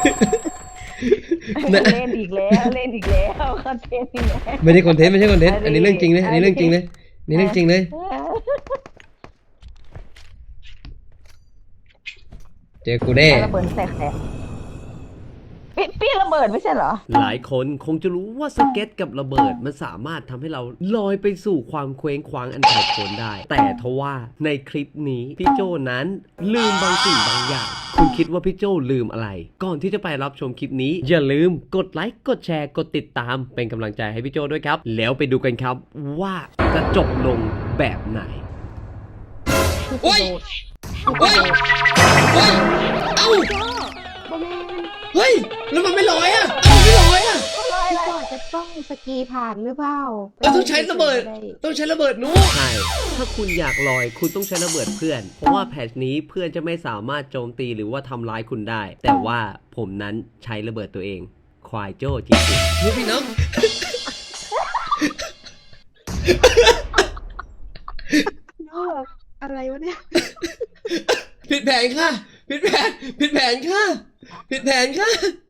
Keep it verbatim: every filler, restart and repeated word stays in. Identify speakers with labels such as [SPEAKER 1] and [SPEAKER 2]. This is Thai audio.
[SPEAKER 1] เล่นอีกแล้วเล่นอีกแล้วคอนเทนต์อีกแล้ว
[SPEAKER 2] ไม่ได้คอนเทนต์ไม่ใช่คอนเทนต์อันนี้เรื่องจริงเลยอันนี้เรื่องจริงเลยนี่เรื่องจริงเลยเจอกูแน่
[SPEAKER 1] ระเบิดแสกแสกพี่พี่ระเบิดไม่ใช่เหรอ
[SPEAKER 3] หลายคนคงจะรู้ว่าสเก็ตกับระเบิดมันสามารถทำให้เราลอยไปสู่ความเคว้งคว้างอันไกลโพ้นได้ แต่ทว่าในคลิปนี้พี่โจนั้นลืมบางสิ่งบางอย่าง คุณคิดว่าพี่โจลืมอะไร ก่อนที่จะไปรับชมคลิปนี้ อย่าลืมกดไลค์กดแชร์กดติดตามเป็นกำลังใจให้พี่โจด้วยครับ แล้วไปดูกันครับว่าจะจบลงแบบไหน
[SPEAKER 2] โอ้ยโอ้ยโอ้ยเอ้าเฮ้ยแล้วมันไม่ลอยอ่ะเอ้าไม่ลอยอ่ะ
[SPEAKER 4] พี่ปอจะต้องสกีผ่านหรือเปล่า
[SPEAKER 2] เราต้องใช้ระเบิดต้องใช้ระเบิดนู้
[SPEAKER 3] ใช่ ถ้าคุณอยากลอยคุณต้องใช้ระเบิดเพื่อน เพราะว่าแพทช์นี้เพื่อนจะไม่สามารถโจมตีหรือว่าทำร้ายคุณได้ แต่ว่าผมนั้นใช้ระเบิดตัวเอง ควายโจ้จริง
[SPEAKER 2] นี่พี่น้อง
[SPEAKER 4] นอกอะไรวะเนี่ย
[SPEAKER 2] ผิดแผนค่ะผิดแผนผิดแผนค่ะผิดแผนค่ะ